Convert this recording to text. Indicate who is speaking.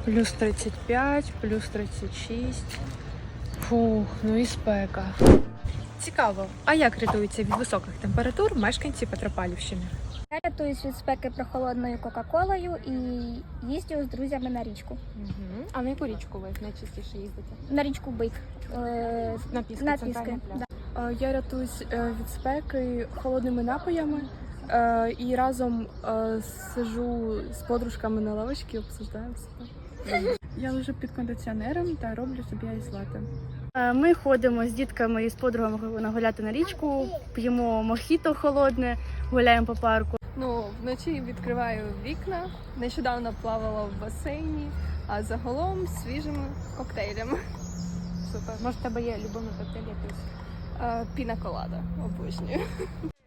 Speaker 1: Плюс 35, плюс 36. Фух, ну і спека. Цікаво, а як рятуються від високих температур мешканці Петропавлівщини?
Speaker 2: Я рятуюсь від спеки прохолодною кока-колою і їздю з друзями на річку.
Speaker 1: Угу. А на яку річку ви найчастіше їздите?
Speaker 2: На річку Бик.
Speaker 1: На Піски,
Speaker 2: На
Speaker 1: центральний
Speaker 2: Піски.
Speaker 1: пляж.
Speaker 2: Да.
Speaker 3: Я рятуюсь від спеки холодними напоями і разом сиджу з подружками на лавочці і обсуждаємо все. Я лежу під кондиціонером та роблю собі айс-латте. Ми ходимо з дітками і з подругами гуляти на річку, п'ємо мохіто холодне, гуляємо по парку.
Speaker 4: Ну, вночі відкриваю вікна, нещодавно плавала в басейні, а загалом свіжими коктейлями.
Speaker 1: Супер. Може, в тебе є любимий коктейль якийсь?
Speaker 4: Піна колада, обожнюю.